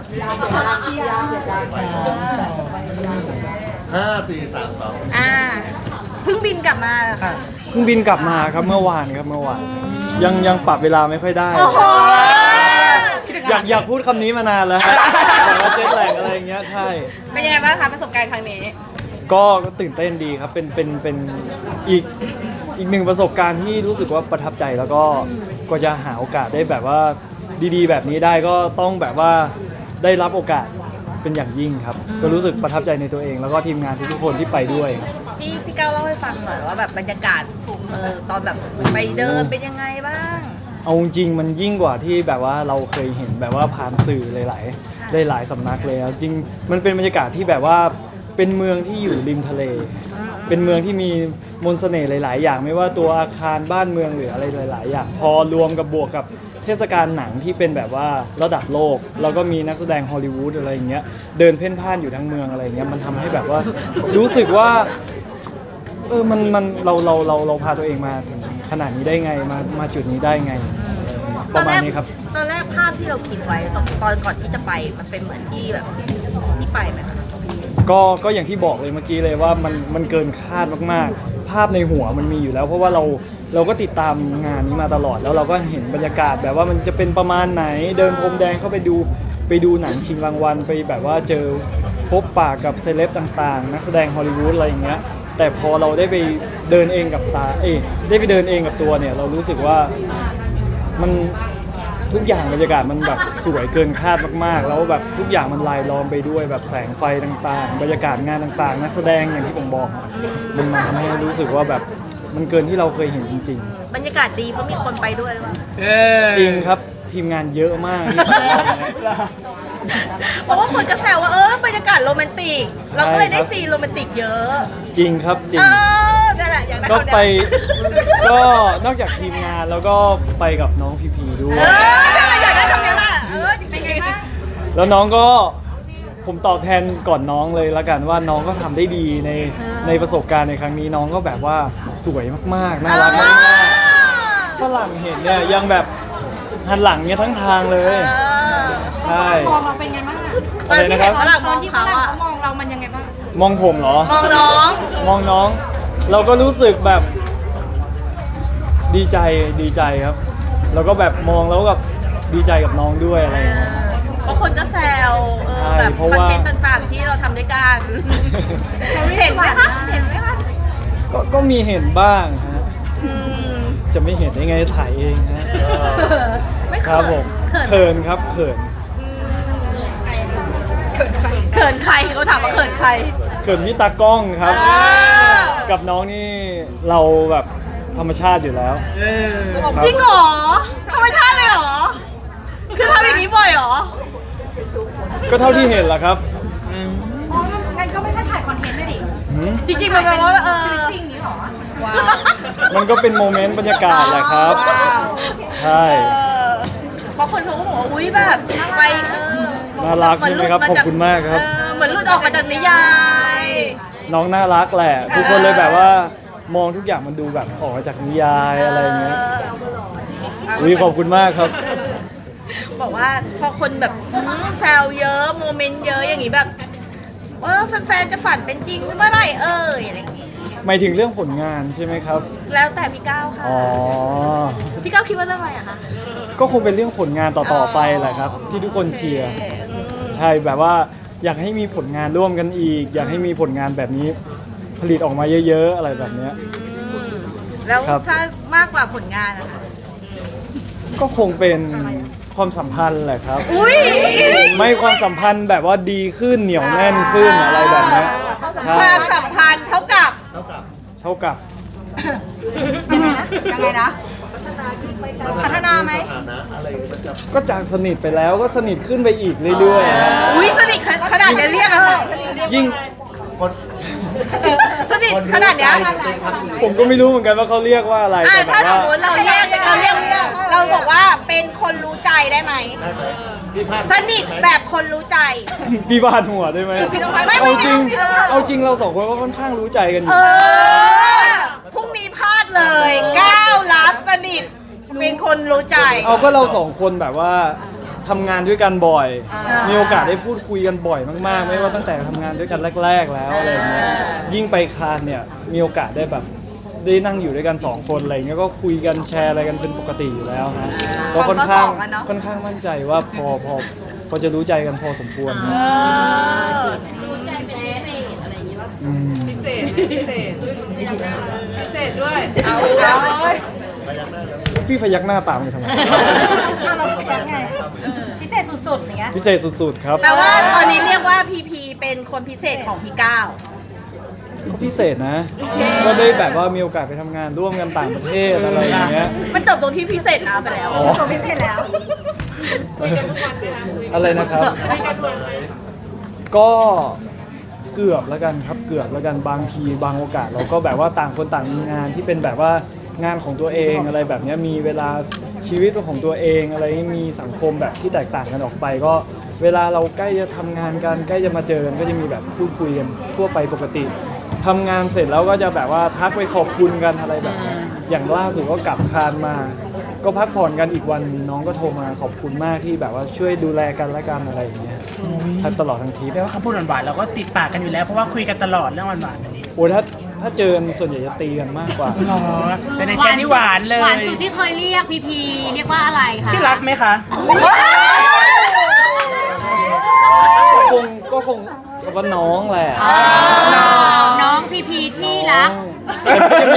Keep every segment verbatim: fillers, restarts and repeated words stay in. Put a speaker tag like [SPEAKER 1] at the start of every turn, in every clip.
[SPEAKER 1] ห้าสี่สามสอง
[SPEAKER 2] อ่าเพิ่งบินกลับมาค่ะ
[SPEAKER 3] เพิ่งบินกลับมาครับเมื่อวานครับเมื่อวานยังยังปรับเวลาไม่ค่อยได้
[SPEAKER 2] โอ้โห
[SPEAKER 3] อยากอยากพูดคำนี้มานานแล้วแต่ว่าเจ็ตแลกอะไรอย่างเงี้ยใช่
[SPEAKER 2] เป็นยังไงบ้างคะประสบการณ์ครั้งนี้
[SPEAKER 3] ก็ตื่นเต้นดีครับเป็นเป็นเป็นอีกอีกหนึ่งประสบการณ์ที่รู้สึกว่าประทับใจแล้วก็ก็จะหาโอกาสได้แบบว่าดีๆแบบนี้ได้ก็ต้องแบบว่าได้รับโอกาสเป็นอย่างยิ่งครับก็รู้สึกประทับใจในตัวเองแล้วก็ทีมงานทุกๆคนที่ไปด้วย
[SPEAKER 2] พี่พี่ก้าวเล่าให้ฟังหน่อยว่าแบบบรรยากาศเออตอนแบบไปเดินเป็นยังไงบ้าง
[SPEAKER 3] เอาจริงมันยิ่งกว่าที่แบบว่าเราเคยเห็นแบบว่าผ่านสื่อหลายๆหลายๆสำนักเลยจริงมันเป็นบรรยากาศที่แบบว่าเป็นเมืองที่อยู่ริมทะเลเป็นเมืองที่มีมนต์เสน่ห์หลายๆอย่างไม่ว่าตัวอาคารบ้านเมืองหรืออะไรหลายๆอย่างพอรวมกับบวกกับเทศกาลหนังที่เป็นแบบว่าระดับโลกแล้วก็มีนักแสดงฮอลลีวูดอะไรอย่างเงี้ยเดินเพ่นพ่านอยู่ทั้งเมืองอะไรอย่างเงี้ยมันทำให้แบบว่ารู้สึกว่าเออมันมันเราเราเราเราพาตัวเองมาถึงขนาดนี้ได้ไงมามาจุดนี้ได้ไงประมาณนี้ครับ
[SPEAKER 2] ตอนแรกภาพที่เราคิดไว้ตอนตอนก่อนที่จะไปมันเป็นเหมือนที่แบบที่ไปไหมคะ
[SPEAKER 3] ก็ก็อย่างที่บอกเลยเมื่อกี้เลยว่ามันมันเกินคาดมากๆภาพในหัวมันมีอยู่แล้วเพราะว่าเราเราก็ติดตามงานนี้มาตลอดแล้วเราก็เห็นบรรยากาศแบบว่ามันจะเป็นประมาณไหนเดินพรมแดงเข้าไปดูไปดูหนังชิงรางวัลไปแบบว่าเจอพบปะกับเซเลบต่างๆนักแสดงฮอลลีวูดอะไรอย่างเงี้ยแต่พอเราได้ไปเดินเองกับตาเอ้ได้ไปเดินเองกับตัวเนี่ยเรารู้สึกว่ามันทุกอย่างบรรยากาศมันแบบสวยเกินคาดมากๆแล้วแบบทุกอย่างมันลายล้อมไปด้วยแบบแสงไฟต่างๆบรรยากาศงานต่างๆนักแสดงอย่างที่ผมบอกมันมาทำให้รู้สึกว่าแบบมันเกินที่เราเคยเห็นจริง
[SPEAKER 2] ๆบรรยากาศดีเพราะมีคนไปด้วยหรือเปล่า
[SPEAKER 3] จริงครับทีมงานเยอะมาก
[SPEAKER 2] เพราะว่าคนก็แซวว่าเออบรรยากาศโรแมนติกเราก็เลยได้ซีนโรแมนติกเยอะ
[SPEAKER 3] จริงครับจริงก็ไปก็นอกจากทีมงานแล้วก็ไปกับน้องพีพีด้วย
[SPEAKER 2] อยากได้ทำยังไงเออเป็นไงบ้าง
[SPEAKER 3] แล้วน้องก็ผมตอบแทนก่อนน้องเลยละกันว่าน้องก็ทำได้ดีในในประสบการณ์ในครั้งนี้น้องก็แบบว่าสวยมากๆน่ารักมากๆฝรั่งเห็นเนี่ยยังแบบหันหลังเนี่ยทั้งทางเลยใช่
[SPEAKER 2] มองเราเป็นไงบ้างตอนที่เห็นฝรั่งมองที่ฝรั่งเขามองเรามันยังไงบ้าง
[SPEAKER 3] มองผมเหรอ
[SPEAKER 2] มองน้อง
[SPEAKER 3] มองน้องเราก็รู้สึกแบบดีใจดีใจครับแล้วก็แบบมองแล้วกับดีใจกับน้องด้วยอะไรอย่างเงี้ย
[SPEAKER 2] เพราะคนก็แซวเออแบบคอนเทนต์ต่างๆที่เราทำด้วยกันเห็นไหมคะเห็นไหมคะ
[SPEAKER 3] ก็ก็มีเห็นบ้างฮะจะไม่เห็นได้ไงถ่ายเองฮะ
[SPEAKER 2] ไม่
[SPEAKER 3] ครับผมเขินครับเขิน
[SPEAKER 2] เขินใครเขินใครเขาถามว่าเขินใคร
[SPEAKER 3] เขินพี่ตากล้องครับกับน้องนี่เราแบบธรรมชาติอยู่แล้ว
[SPEAKER 2] จริงเหรอธรรมชาติเลยเหรอคือทำอย่างนี้บ่อยเหรอ
[SPEAKER 3] ก็เท่าที่เห็นแหละครับ
[SPEAKER 2] อ๋องั้นก็ไม่ใช่ถ่ายคอนเทนต์ด้วยดิจริงๆมันแปลว่าเออจริงนี้หรอว้าว
[SPEAKER 3] มันก็เป็นโมเมนต์บรรยากาศแหละครับใช่
[SPEAKER 2] เพราะคนเขาบอกว่าอุ้ยแบบไป
[SPEAKER 3] น่ารักใช่ไหมครับขอบคุณมากครับ
[SPEAKER 2] เหมือนหลุดออกมาจากนิยาย
[SPEAKER 3] น้องน่ารักแหละทุกคนเลยแบบว่ามองทุกอย่างมันดูแบบออกมาจากนิยายอะไรเงี้ยอุ้ยขอบคุณมากครับ
[SPEAKER 2] บอกว่าพอคนแบบแซวเยอะโมเมนต์เยอะอย่างนี้แบบเออแฟนๆจะฝันเป็นจริงเมื่อไหร่เอ่ยอะไรอย่างงี้
[SPEAKER 3] หมายถึงเรื่องผลงานใช่ไหมครับ
[SPEAKER 2] แล้วแต่พี่ก้าวค่ะ
[SPEAKER 3] อ๋อ
[SPEAKER 2] พี่ก้าวคิดว่าเรื่องอะไรอะคะ
[SPEAKER 3] ก็คงเป็นเรื่องผลงานต่อๆไปแหละครับที่ทุกคนเชียร์ใช่แบบว่าอยากให้มีผลงานร่วมกันอีกอยากให้มีผลงานแบบนี้ผลิตออกมาเยอะๆอะไรแบบนี้
[SPEAKER 2] แล้วถ้ามากกว่าผลงานนะคะ
[SPEAKER 3] ก็คงเป็นความสัมพันธ์แหละครับไม่ความสัมพันธ์แบบว่าดีขึ้นเหนียวแน่นขึ้นอะไรแบบนี้
[SPEAKER 2] ความสัมพันธ์เท่ากับ
[SPEAKER 3] เท่ากับเท่ากับ
[SPEAKER 2] ยังไงนะพัฒนาไหม
[SPEAKER 3] ก็จากสนิทไปแล้วก็สนิทขึ้นไปอีกเรื่อย
[SPEAKER 2] ๆอุ้ยสนิทขนาดนี้เรียกอะไร
[SPEAKER 3] ยิ่ง
[SPEAKER 2] สนิทขนาดเนี้ย
[SPEAKER 3] ผมก็ไม่รู้เหมือนกันว่าเขาเรียกว่าอะไร
[SPEAKER 2] แต่ถ้าสมมติเราเรียกเราเรียกเราบอกว่าเป็นคนรู้ใจได้ไหมสนิทแบบคนรู้ใจ
[SPEAKER 3] พี่บาดหัวได้ไหมเอาจริงเอาจริงเราสองคนก็ค่อนข้างรู้ใจกันอยู่
[SPEAKER 2] พรุ่งนี้พลาดเลยก้าวรับสนิทเป็นคนรู้ใจ
[SPEAKER 3] เอาก็เราสองคนแบบว่าทำงานด้วยกันบ่อย มีโอกาสได้พูดคุยกันบ่อยมากๆ ไม่ว่าตั้งแต่ทำงานด้วยกันแรก ๆ แล้วอะไรอย่างเงี้ยยิ่งไปคานเนี่ยมีโอกาสได้แบบได้นั่งอยู่ด้วยกันสองคนอะไรเงี้ยก็คุยกันแชร์อะไรกันเป็นปกติอยู่แล้วฮะก็ค่อนข้างค่อนข้างมั่นใจว่าพอพอพอจะรู้ใจกันพอสมควรนะอืม
[SPEAKER 4] พิเศษพิเศษพิเศษด้วย
[SPEAKER 2] เอาเอาเลย
[SPEAKER 3] พี่พยักหน้าตามกันทำไม
[SPEAKER 2] เราพยักไงพิเศษสุดๆอย่างเงี้ย
[SPEAKER 3] พิเศษสุดๆครับ
[SPEAKER 2] แปลว่าตอนนี้เรียกว่าพีพีเป็นคนพิเศษของพี่ก้าว
[SPEAKER 3] ก็พิเศษนะ ก็ได้แบบว่ามีโอกาสไปทำงานร่วมกันต่างประเทศอะไรอย่างเงี้ย
[SPEAKER 2] มันจบตรงที่พิเศษนะไปแล้ว
[SPEAKER 3] อ๋อ
[SPEAKER 2] จบพิเศษแล้ว
[SPEAKER 3] อะไรนะครับ ก็เกือบแล้วกันครับเกือบแล้วกันบางทีบางโอกาสเราก็แบบว่าต่างคนต่างมีงานที่เป็นแบบว่างานของตัวเองอะไรแบบเนี้ยมีเวลาชีวิตของตัวเองอะไรมีสังคมแบบที่แตกต่างกันออกไป ก็เวลาเราใกล้จะทำงานกันใกล้จะมาเจอกันก็จะมีแบบพูดคุยกันทั่วไปปกติทำงานเสร็จแล้วก็จะแบบว่าทักไปขอบคุณกันอะไรแบบนี้อย่างล่าสุดก็กลับคานมา ก็พักผ่อนกันอีกวันน้องก็โทรมาขอบคุณมากที่แบบว่าช่วยดูแลกันและกันอะไรอย่างเงี้ยทักตลอดทั้งทริป
[SPEAKER 5] แปลว่าคำพูดหวานๆเราก็ติดปากกันอยู่แล้วเพราะว่าคุยกันตลอดเรื่องหวานๆแบบนี้
[SPEAKER 3] โอ้ยถ้าถ้าเจอกันส่วนใหญ่จะตีกันมากกว่า
[SPEAKER 5] หรอแต่ในแชทนี่หวานเลย
[SPEAKER 6] หวานสุดที่เคยเรียกพีพีเรียกว่าอะไรคะ
[SPEAKER 5] ที่รักไหมคะ
[SPEAKER 3] ก็คงก็คงก็ว่าน้องแหละ
[SPEAKER 6] อ๋อน้องพีพีที่รัก
[SPEAKER 3] แต่ก็จะมี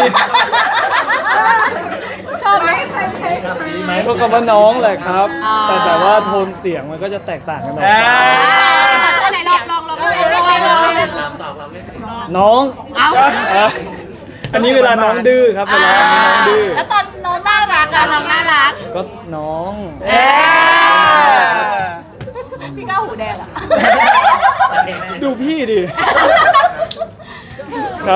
[SPEAKER 2] ชอบไหม
[SPEAKER 1] ครับดีไหม
[SPEAKER 3] ก็คำว่าน้องแหละครับ
[SPEAKER 6] อ๋อ
[SPEAKER 3] แต่แต่ว่าโทนเสียงมันก็จะแตกต่างกันออก
[SPEAKER 5] อ่า
[SPEAKER 3] ไป
[SPEAKER 6] ไหนลองลองลองลองลองลองลอง
[SPEAKER 1] สามสองเราเล่นสิ
[SPEAKER 3] น้อง
[SPEAKER 6] เอา
[SPEAKER 3] อ่ะอันนี้เวลาน้องดื้อครับเวลาน้องดื้อ
[SPEAKER 2] แล้วตอนน้องน่ารัก
[SPEAKER 6] เรา
[SPEAKER 2] อะ
[SPEAKER 6] น้องน่ารัก
[SPEAKER 3] ก็น้อง
[SPEAKER 5] เอ๊ะ
[SPEAKER 2] พี่ก้าวหูแดงอะ
[SPEAKER 3] ดูพี่ดิครับ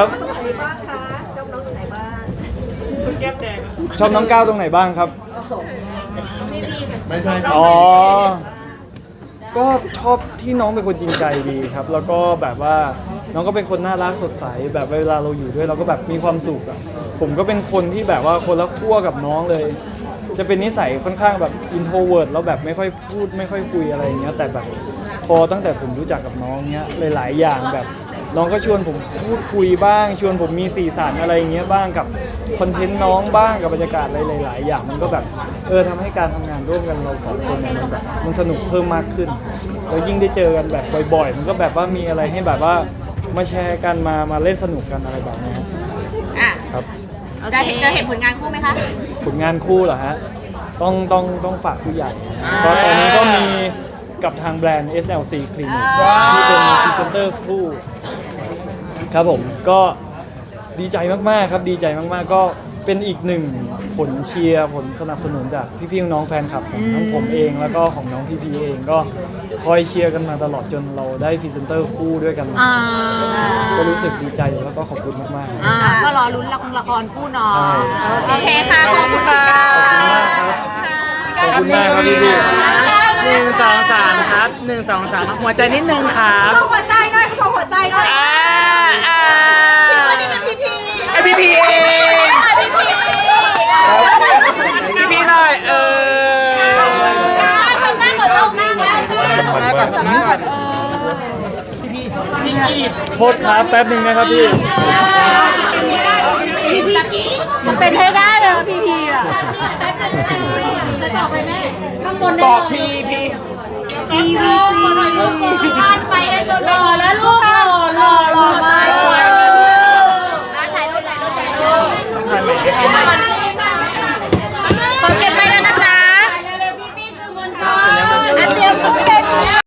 [SPEAKER 4] แก้มแดง
[SPEAKER 3] ชอบน้องก้าวตรงไหนบ้างครับ
[SPEAKER 1] ไม่ใช่
[SPEAKER 3] อ๋อ ก็ชอบที่น้องเป็นคนจริงใจดีครับ แล้วก็แบบว่าน้องก็เป็นคนน่ารักสดใสแบบเวลาเราอยู่ด้วยเราก็แบบมีความสุขอะผมก็เป็นคนที่แบบว่าคนละขั้วกับน้องเลย จะเป็นนิสัยค่อนข้างแบบอินโทรเวิร์ดแล้วแบบไม่ค่อยพูดไม่ค่อยคุยอะไรอย่างเงี้ยแต่แบบพอตั้งแต่ผมรู้จักกับน้องเนี้ยหลายๆอย่างแบบน้องก็ชวนผมพูดคุยบ้าง ชวนผมมีสีสันอะไรอย่างเงี้ยบ้างกับคอนเทนต์น้องบ้างกับบรรยากาศอะไรหลายๆอย่างมันก็แบบเออทำให้การทำงานร่วมกันเราสองคนเนี่ยมันแบบมันสนุกเพิ่มมากขึ้นแล้วยิ่งได้เจอกันแบบบ่อยๆ มันก็แบบว่ามีอะไรให้แบบว่ามาแชร์กันมามาเล่นสนุกกันอะไรแบบนี้ครับ
[SPEAKER 2] อ่ะ
[SPEAKER 3] ครับ
[SPEAKER 2] จะเห็นจะเห็นผลงานคู่ไหมคะ
[SPEAKER 3] ผลงานคู่เหรอฮะ ต้องต้องต้องฝากผู้ใหญ่เพราะตอนนี้ก็มีกับทางแบรนด์ เอส แอล ซี Clinic ที่เป็นพรีเซนเตอร์คู่ครับผมก็ดีใจมากๆครับดีใจมากๆก็เป็นอีกหนึ่งผลเชียร์ผลสนับสนุนจากพี่ๆน้องๆแฟนคลับของทั้งผมเองแล้วก็ของน้องพี่พีเองก็คอยเชียร์กันมาตลอดจนเราได้พรีเซนเตอร์คู่ด้วยกัน
[SPEAKER 6] อ่า
[SPEAKER 3] ก็รู้สึกดีใจแล้วก็ขอบคุณมากๆ
[SPEAKER 6] อ่าก็รอลุ้นละครละครคู่น้อง
[SPEAKER 3] ใช่
[SPEAKER 2] โอเคค่ะ ขอบคุณค่ะ
[SPEAKER 3] ขอบคุณมากครับพี่พี่
[SPEAKER 5] หนึ่งสองสามครับหนึ่งสองสามหัวใจนิดนึงครับ
[SPEAKER 2] ส่งหัวใจหน่อยส่งหัวใจหน่อย
[SPEAKER 5] อ่าอ่า
[SPEAKER 2] วันนี้เป็นพีพี
[SPEAKER 5] ไอพี่พีเอง
[SPEAKER 2] พีพี
[SPEAKER 5] พี่พีหน่อยเออ
[SPEAKER 2] ทำหน้าก่อนทำหน้าก่อนทำหน้าก่อนทำหน้าก่อนเออ
[SPEAKER 5] พี่กีด
[SPEAKER 3] โทษครับแป๊บหนึ่งนะครับพี่
[SPEAKER 2] พีพีมันเป็นให้ได้เลยพีพีอ่ะต่อไปแม่ข้างบน
[SPEAKER 5] บอกพี่พี
[SPEAKER 2] ทีวี